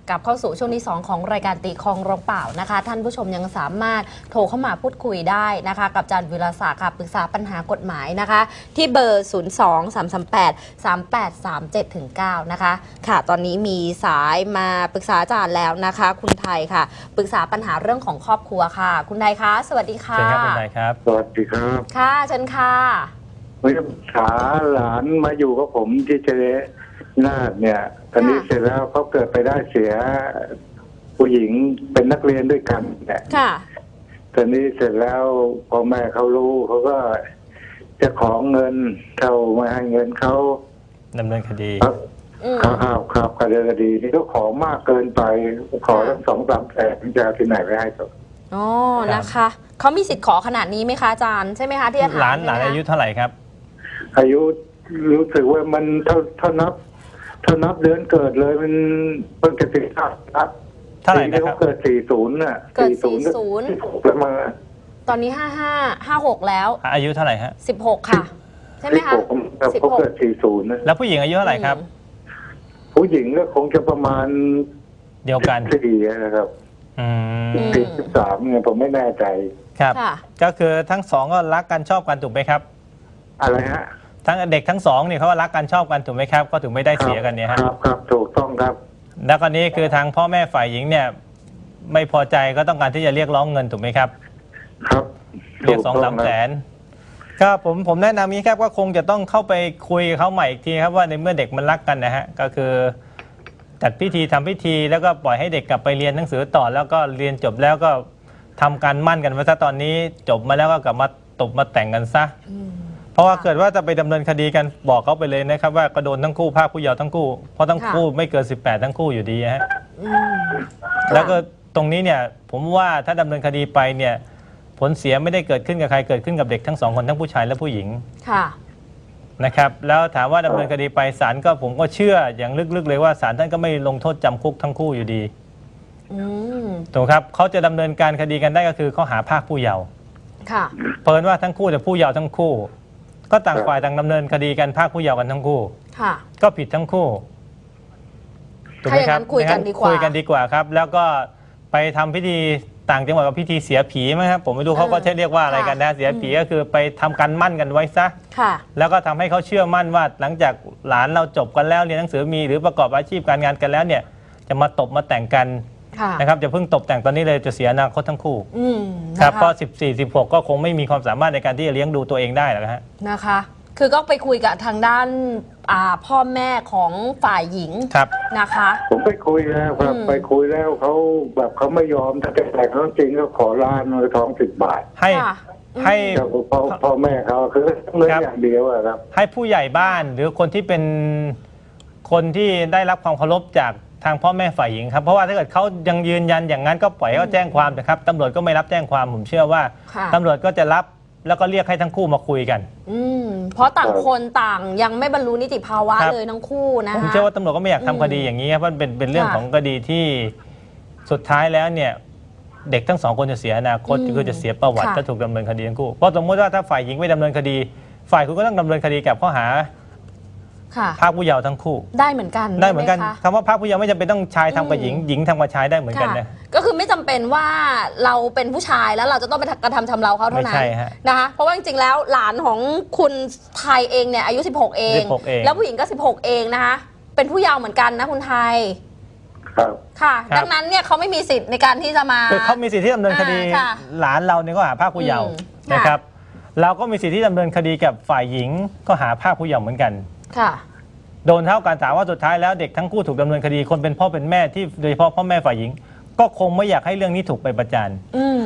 กลับเข้าสู่ช่วงที่2ของรายการตีคลองร้องเปล่านะคะท่านผู้ชมยังสามารถโทรเข้ามาพูดคุยได้นะคะกับอาจารย์วิรศักดิ์ค่ะปรึกษาปัญหากฎหมายนะคะที่เบอร์ 02-338-3837-9 นะคะค่ะตอนนี้มีสายมาปรึกษาอาจารย์แล้วนะคะคุณไทยค่ะปรึกษาปัญหาเรื่องของครอบครัวค่ะคุณไทยคะสวัสดีค่ะเชิญครับคุณไทยครับสวัสดีครับค่ะเชิญค่ะวิสาหลานมาอยู่กับผมที่เจริญนาฏเนี่ยตอนนี้เสร็จแล้วเขาเกิดไปได้เสียผู้หญิงเป็นนักเรียนด้วยกันเนี่ยค่ะตอนนี้เสร็จแล้วพอแม่เขารู้เขาก็จะขอเงินเขาไม่ให้เงินเขาดำเนินคดีครับคดีนี่ก็ขอมากเกินไปขอตั้ง2-3 แสนจะที่ไหนไปให้เขาอ๋อนะคะเขามีสิทธิ์ขอขนาดนี้ไหมคะอาจารย์ใช่ไหมคะที่จะถามหลานอายุเท่าไหร่ครับอายุรู้สึกว่ามันเท่านับเดือนเกิดเลยมันเพิ่งจะ15 เท่าไหร่นะครับเกิด40น่ะเกิด40 แล้วมาตอนนี้56แล้วอายุเท่าไหร่ฮะ 16ค่ะใช่ไหมคะเขาเกิด40นะแล้วผู้หญิงอายุเท่าไหร่ครับผู้หญิงก็คงจะประมาณเดียวกัน 14นะครับ13เนี่ยผมไม่แน่ใจครับก็คือทั้งสองก็รักกันชอบกันถูกไหมครับอะไรฮะทั้งเด็กทั้งสองเนี่ยเขารักกันชอบกันถูกไหมครับก็ถึงไม่ได้เสียกันเนี่ยครับถูกต้องครับแล้วก็นี้คือทางพ่อแม่ฝ่ายหญิงเนี่ยไม่พอใจก็ต้องการที่จะเรียกร้องเงินถูกไหมครับครับเรียก2-3 แสนก็ผมแนะนำนี้ครับว่าคงจะต้องเข้าไปคุยกับเขาใหม่อีกทีครับว่าในเมื่อเด็กมันรักกันนะฮะก็คือจัดพิธีทำพิธีแล้วก็ปล่อยให้เด็กกลับไปเรียนหนังสือต่อแล้วก็เรียนจบแล้วก็ทำการมั่นกันไว้ซะตอนนี้จบมาแล้วก็กลับมาตบมาแต่งกันซะเพราะว่าเกิดว่าจะไปดำเนินคดีกันบอกเขาไปเลยนะครับว่าก็โดนทั้งคู่ภาคผู้เยาว์ทั้งคู่เพราะทั้งคู่ไม่เกิน18ทั้งคู่อยู่ดีฮะแล้วก็ตรงนี้เนี่ยผมว่าถ้าดำเนินคดีไปเนี่ยผลเสียไม่ได้เกิดขึ้นกับใครเกิดขึ้นกับเด็กทั้ง2 คนทั้งผู้ชายและผู้หญิงนะครับแล้วถามว่าดำเนินคดีไปศาลก็ผมก็เชื่ออย่างลึกๆเลยว่าศาลท่านก็ไม่ลงโทษจำคุกทั้งคู่อยู่ดีถูกครับเขาจะดำเนินการคดีกันได้ก็คือข้อหาภาคผู้เยาว์เพิ่นว่าทั้งคู่แต่ผู้เยาว์ทั้งคู่ก็ต่างฝ่ายต่างดำเนินคดีกันภาคผู้เยาว์กันทั้งคู่ก็ผิดทั้งคู่ถูกไหมครับคุยกันดีกว่าครับแล้วก็ไปทำพิธีต่างจังหวัดกับพิธีเสียผีไหมครับผมไม่รู้เขาก็ใช้เรียกว่าอะไรกันนะเสียผีก็คือไปทำการมั่นกันไว้ซะแล้วก็ทำให้เขาเชื่อมั่นว่าหลังจากหลานเราจบกันแล้วเรียนหนังสือมีหรือประกอบอาชีพการงานกันแล้วเนี่ยจะมาตบมาแต่งกันนะครับจะเพิ่งตบแต่งตอนนี้เลยจะเสียอนาคตทั้งคู่ครับเพราะ14-16ก็คงไม่มีความสามารถในการที่จะเลี้ยงดูตัวเองได้หรอกฮะนะคะคือก็ไปคุยกับทางด้านพ่อแม่ของฝ่ายหญิงนะคะผมไปคุยแล้วครับไปคุยแล้วเขาแบบเขาไม่ยอมถ้าจะแต่งเขาจริงก็ขอล้านเลยท้อง10 บาทให้พ่อแม่เขาคือเงินอย่างเดียวครับให้ผู้ใหญ่บ้านหรือคนที่เป็นคนที่ได้รับความเคารพจากทางพ่อแม่ฝ่ายหญิงครับเพราะว่าถ้าเกิดเขายังยืนยันอย่างนั้นก็ปล่อยเขาแจ้งความนะครับตำรวจก็ไม่รับแจ้งความผมเชื่อว่าตำรวจก็จะรับแล้วก็เรียกให้ทั้งคู่มาคุยกันเพราะต่างคนต่างยังไม่บรรลุนิติภาวะเลยทั้งคู่นะผมเชื่อว่าตำรวจก็ไม่อยากทำคดีอย่างนี้ครับเพราะเป็นเรื่องของคดีที่สุดท้ายแล้วเนี่ยเด็กทั้ง2 คนจะเสียอนาคตคือจะเสียประวัติถ้าถูกดำเนินคดีทั้งคู่เพราะสมมติว่าถ้าฝ่ายหญิงไม่ดำเนินคดีฝ่ายคุณก็ต้องดำเนินคดีกับข้อหาภาคผู้เยาว์ทั้งคู่ได้เหมือนกันคำว่าภาคผู้เยาว์ไม่จำเป็นต้องชายทำกับหญิงหญิงทำกับชายได้เหมือนกันนะก็คือไม่จำเป็นว่าเราเป็นผู้ชายแล้วเราจะต้องไปกระทำชำเราเขาเท่านั้นนะคะเพราะว่าจริงๆแล้วหลานของคุณไทยเองเนี่ยอายุ16เองแล้วผู้หญิงก็16เองนะคะเป็นผู้เยาว์เหมือนกันนะคุณไทยค่ะดังนั้นเนี่ยเขาไม่มีสิทธิ์ในการที่จะมาเขามีสิทธิ์ที่ดำเนินคดีหลานเราเนี่ยก็หาภาคผู้เยาว์นะครับเราก็มีสิทธิ์ที่ดำเนินคดีกับฝ่ายหญิงก็หาภาคผู้เยาว์เหมือนกันโดนเท่ากันถามว่าสุดท้ายแล้วเด็กทั้งคู่ถูกดำเนินคดีคนเป็นพ่อเป็นแม่ที่โดยเฉพาะพ่อแม่ฝ่ายหญิงก็คงไม่อยากให้เรื่องนี้ถูกไปประจาน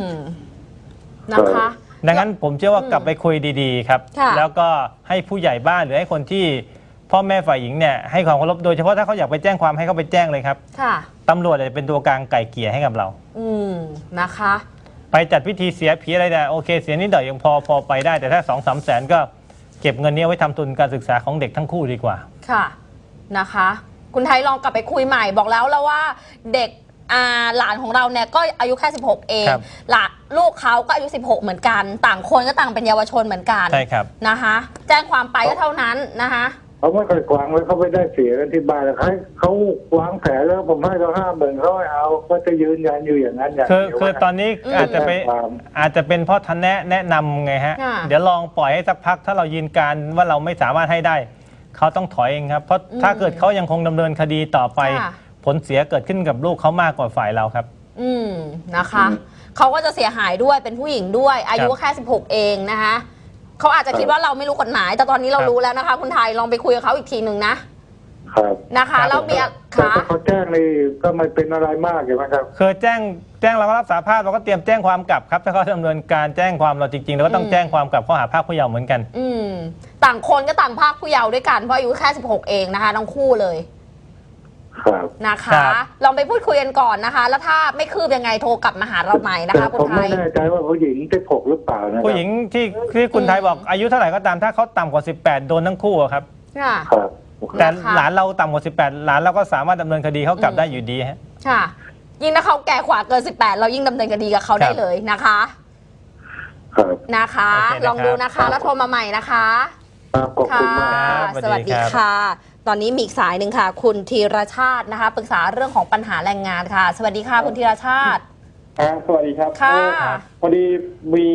นะคะดังนั้นผมเชื่อว่ากลับไปคุยดีๆครับแล้วก็ให้ผู้ใหญ่บ้านหรือให้คนที่พ่อแม่ฝ่ายหญิงเนี่ยให้ความเคารพโดยเฉพาะถ้าเขาอยากไปแจ้งความให้เขาไปแจ้งเลยครับตำรวจจะเป็นตัวกลางไก่เกลี่ยให้กับเรานะคะไปจัดพิธีเสียผีอะไรเนี่ยโอเคเสียนิดหน่อยยังพอไปได้แต่ถ้า2-3 แสนก็เก็บเงินนี้ไว้ทำทุนการศึกษาของเด็กทั้งคู่ดีกว่าค่ะนะคะคุณไทยลองกลับไปคุยใหม่บอกแล้วว่าเด็กหลานของเราเนี่ยก็อายุแค่16เองลูกเขาก็อายุ16เหมือนกันต่างคนก็ต่างเป็นเยาวชนเหมือนกันใช่ครับนะคะแจ้งความไปก็เท่านั้นนะคะเขาไม่เคยวางแล้วเขาไม่ได้เสียกันที่บ้านแล้วเขาวางแผนแล้วผมให้เขา50,000เขาให้เอาก็จะยืนยันอยู่อย่างนั้นอย่างเดียวคือตอนนี้อาจจะเป็นเพราะท่านแนะนำไงฮะ เดี๋ยวลองปล่อยให้สักพักถ้าเรายืนการว่าเราไม่สามารถให้ได้เขาต้องถอยเองครับเพราะถ้าเกิดเขายังคงดำเนินคดีต่อไปผลเสียเกิดขึ้นกับลูกเขามากกว่าฝ่ายเราครับนะคะเขาก็จะเสียหายด้วยเป็นผู้หญิงด้วยอายุแค่16เองนะคะเขาอาจจะคิดว่าเราไม่รู้กฎหมายแต่ตอนนี้เรารู้แล้วนะคะคุณไทยลองไปคุยกับเขาอีกทีหนึ่งนะครับนะคะแล้วมีถ้าเขาแจ้งนี่ก็ไม่เป็นอะไรมากใช่ไหมครับคือแจ้งเราก็รับสารภาพเราก็เตรียมแจ้งความกลับครับถ้าเขาดำเนินการแจ้งความเราจริงๆเราก็ต้องแจ้งความกลับข้อหาพรากผู้เยาว์เหมือนกันต่างคนก็ต่างพรากผู้เยาว์ด้วยกันเพราะอายุแค่16เองนะคะทั้งคู่เลยนะคะลองไปพูดคุยกันก่อนนะคะแล้วถ้าไม่คืบยังไงโทรกลับมาหาเราใหม่นะคะคุณไทยผมไม่แน่ใจว่าผู้หญิง16หรือเปล่านะผู้หญิงที่คุณไทยบอกอายุเท่าไหร่ก็ตามถ้าเขาต่ำกว่า18โดนทั้งคู่ครับแต่หลานเราต่ำกว่า18หลานเราก็สามารถดำเนินคดีเขากลับได้อยู่ดีฮะค่ะยิ่งถ้าเขาแก่กว่าเกิน18เรายิ่งดำเนินคดีกับเขาได้เลยนะคะนะคะลองดูนะคะแล้วโทรมาใหม่นะคะขอบคุณมากสวัสดีค่ะตอนนี้มีอีกสายหนึ่งค่ะคุณธีรชาตินะคะปรึกษาเรื่องของปัญหาแรงงานค่ะสวัสดีค่ะคุณธีรชาติสวัสดีครับค่ะพอดีมี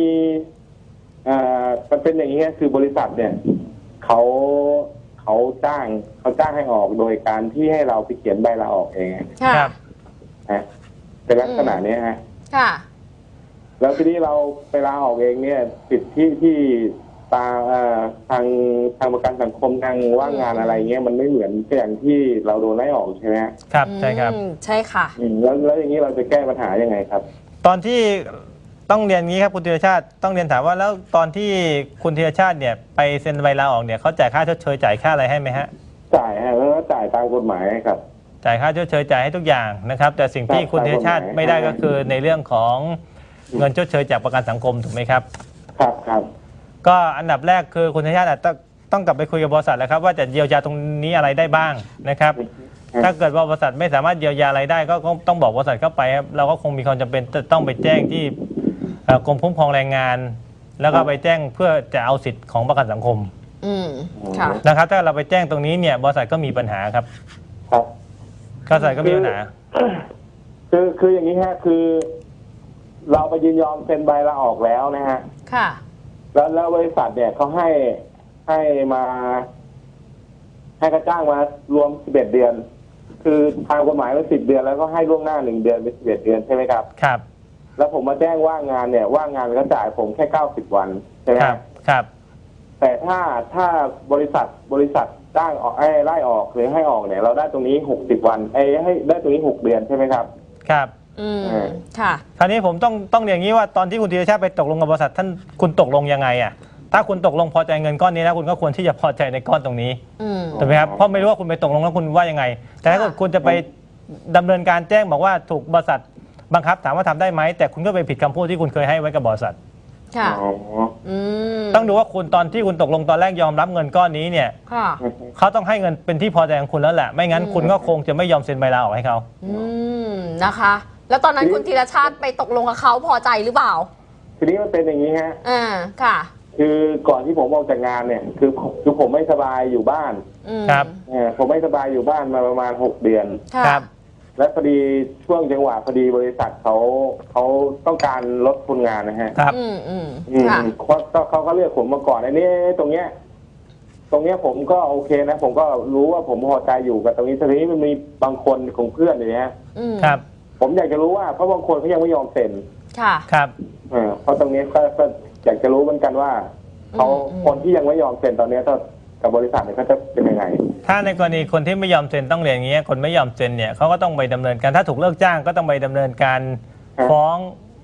มันเป็นอย่างนี้คือบริษัทเนี่ยเขาจ้างให้ออกโดยการที่ให้เราไปเขียนใบลาออกเองครับเป็นลักษณะนี้ฮะค่ะแล้วทีนี้เราไปลาออกเองเนี่ยสิทธิที่ทางประกันสังคมทางว่างงานอะไรเงี้ยมันไม่เหมือนอย่างที่เราโดนไล่ออกใช่ไหมครับใช่ครับใช่ค่ะแล้วอย่างนี้เราจะแก้ปัญหายังไงครับตอนที่ต้องเรียนงี้ครับคุณธีรชาติต้องเรียนถามว่าแล้วตอนที่คุณธีรชาติเนี่ยไปเซ็นใบลาออกเนี่ยเขาจ่ายค่าชดเชยจ่ายค่าอะไรให้ไหมฮะจ่ายฮะแล้วก็จ่ายตามกฎหมายครับจ่ายค่าชดเชยจ่ายให้ทุกอย่างนะครับแต่สิ่งที่คุณธีรชาติไม่ได้ก็คือในเรื่องของเงินชดเชยจากประกันสังคมถูกไหมครับครับก็อันดับแรกคือคุณธีรชาติต้องกลับไปคุยกับบริษัทแล้วครับว่าจะเยียวยาตรงนี้อะไรได้บ้างนะครับถ้าเกิดว่าบริษัทไม่สามารถเยียวยาอะไรได้ก็ต้องบอกบริษัทเข้าไปครับเราก็คงมีความจำเป็นต้องไปแจ้งที่กรมคุ้มครองแรงงานแล้วก็ไปแจ้งเพื่อจะเอาสิทธิ์ของประกันสังคมนะครับถ้าเราไปแจ้งตรงนี้เนี่ยบริษัทก็มีปัญหาครับบริษัทก็มีปัญหาคืออย่างนี้ฮะคือเราไปยินยอมเซ็นใบลาออกแล้วนะฮะค่ะแล้วบริษัทเนี่ยเขาให้มาให้ค่าจ้างมารวม11เดือนคือทางกฎหมายมัน10เดือนแล้วก็ให้ล่วงหน้า1เดือนเป็น11เดือนใช่ไหมครับครับแล้วผมมาแจ้งว่างงานเนี่ยว่างงานก็จ่ายผมแค่90วันใช่ไหมครับแต่ถ้าบริษัทจ้างออกไล่ออกหรือให้ออกเนี่ยเราได้ตรงนี้60วันให้ได้ตรงนี้6เดือนใช่ไหมครับครับค่ะคราวนี้ผมต้องอย่างนี้ว่าตอนที่คุณธีรชาติไปตกลงกับบริษัทท่านคุณตกลงยังไงอ่ะถ้าคุณตกลงพอใจเงินก้อนนี้แล้วคุณก็ควรที่จะพอใจในก้อนตรงนี้ถูกไหมครับเพราะไม่รู้ว่าคุณไปตกลงแล้วคุณว่ายังไงแต่ถ้าคุณจะไปดำเนินการแจ้งบอกว่าถูกบริษัทบังคับถามว่าทำได้ไหมแต่คุณก็ไปผิดคำพูดที่คุณเคยให้ไว้กับบริษัทค่ะต้องดูว่าคุณตอนที่คุณตกลงตอนแรกยอมรับเงินก้อนนี้เนี่ยเขาต้องให้เงินเป็นที่พอใจของคุณแล้วแหละไม่งั้นคุณก็คงจะไม่ยอมเซ็นใบลาออกให้เขานะคะแล้วตอนนั้นคุณธีรชาติไปตกลงกับเขาพอใจหรือเปล่าทีนี้มันเป็นอย่างนี้ฮะค่ะคือก่อนที่ผมออกจากงานเนี่ยคือผมไม่สบายอยู่บ้านครับผมไม่สบายอยู่บ้านมาประมาณ6เดือนครับและพอดีช่วงจังหวะพอดีบริษัทเขาต้องการลดคนงานนะฮะครับเขาก็เรียกผมมาก่อนอันนี้ตรงเนี้ยผมก็โอเคนะผมก็รู้ว่าผมพอใจอยู่กับตรงนี้ทีนี้มันมีบางคนของเพื่อนอย่างเงี้ยครับผมอยากจะรู้ว่าเพราะบางคนเขายังไม่ยอมเซ็นค่ะครับเพราะตรงนี้ก็อยากจะรู้เหมือนกันว่าเขาคนที่ยังไม่ยอมเซ็นตอนนี้กับบริษัทเนี่ยเขาจะเป็นยังไงถ้าในกรณีคนที่ไม่ยอมเซ็นต้องเรียนอย่างนี้คนไม่ยอมเซ็นเนี่ยเขาก็ต้องไปดำเนินการถ้าถูกเลิกจ้างก็ต้องไปดำเนินการฟ้อง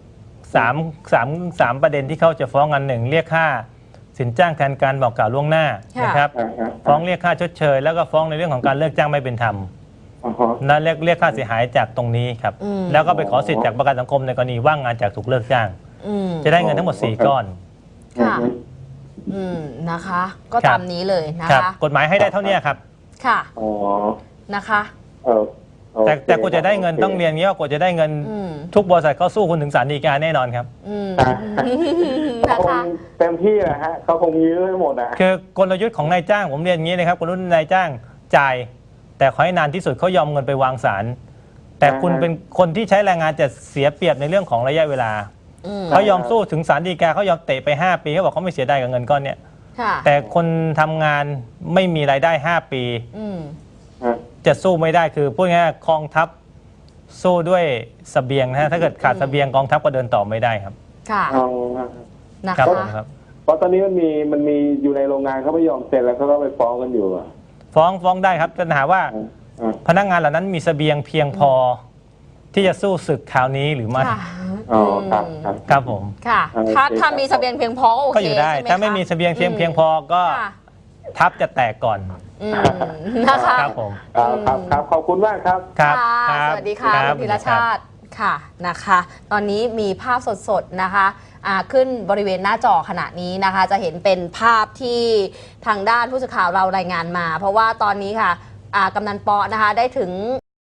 3ประเด็นที่เขาจะฟ้องกัน1เรียกค่าสินจ้างแทนการบอกกล่าวล่วงหน้านะครับฟ้องเรียกค่าชดเชยแล้วก็ฟ้องในเรื่องของการเลิกจ้างไม่เป็นธรรมนั่นเรียกค่าเสียหายจากตรงนี้ครับแล้วก็ไปขอสิทธิ์จากประกันสังคมในกรณีว่างงานจากถูกเลิกจ้างจะได้เงินทั้งหมด4ก้อนค่ะนะคะก็ตามนี้เลยนะคะกฎหมายให้ได้เท่านี้ครับค่ะนะคะแต่กว่าจะได้เงินต้องเรียนอย่างนี้ว่ากว่าจะได้เงินทุกบริษัทเขาสู้คุณถึงศาลฎีกาแน่นอนครับเขาคงเต็มที่แหละฮะเขาคงยื้อให้หมดอ่ะคือกลยุทธ์ของนายจ้างผมเรียนอย่างนี้นะครับกลยุทธ์นายจ้างจ่ายแต่ขอให้นานที่สุดเขายอมเงินไปวางศาลแต่คุณเป็นคนที่ใช้แรงงานจะเสียเปรียบในเรื่องของระยะเวลาเขายอมสู้ถึงศาลฎีกาเขายอมเตะไป5 ปีเขาบอกเขาไม่เสียดายกับเงินก้อนเนี้ยแต่คนทำงานไม่มีรายได้5 ปีจะสู้ไม่ได้คือพูดง่ายๆกองทัพสู้ด้วยเสบียงนะฮะถ้าเกิดขาดเสบียงกองทัพก็เดินต่อไม่ได้ครับค่ะนะครับเพราะตอนนี้มันมีอยู่ในโรงงานเขาไม่ยอมเซ็นแล้วเขาก็ไปฟ้องกันอยู่ฟ้องได้ครับปัญหาว่าพนักงานเหล่านั้นมีเสบียงเพียงพอที่จะสู้ศึกคราวนี้หรือไม่ครับผมค่ะถ้ามีเสบียงเพียงพอก็อยู่ได้ถ้าไม่มีเสบียงเพียงพอก็ทัพจะแตกก่อนนะคะครับผมครับขอบคุณมากครับสวัสดีค่ะคุณธีรชาติค่ะนะคะตอนนี้มีภาพสดๆนะคะขึ้นบริเวณหน้าจอขณะนี้นะคะจะเห็นเป็นภาพที่ทางด้านผู้สื่อข่าวเรารายงานมาเพราะว่าตอนนี้ค่ะกำนันปอนะคะได้ถึง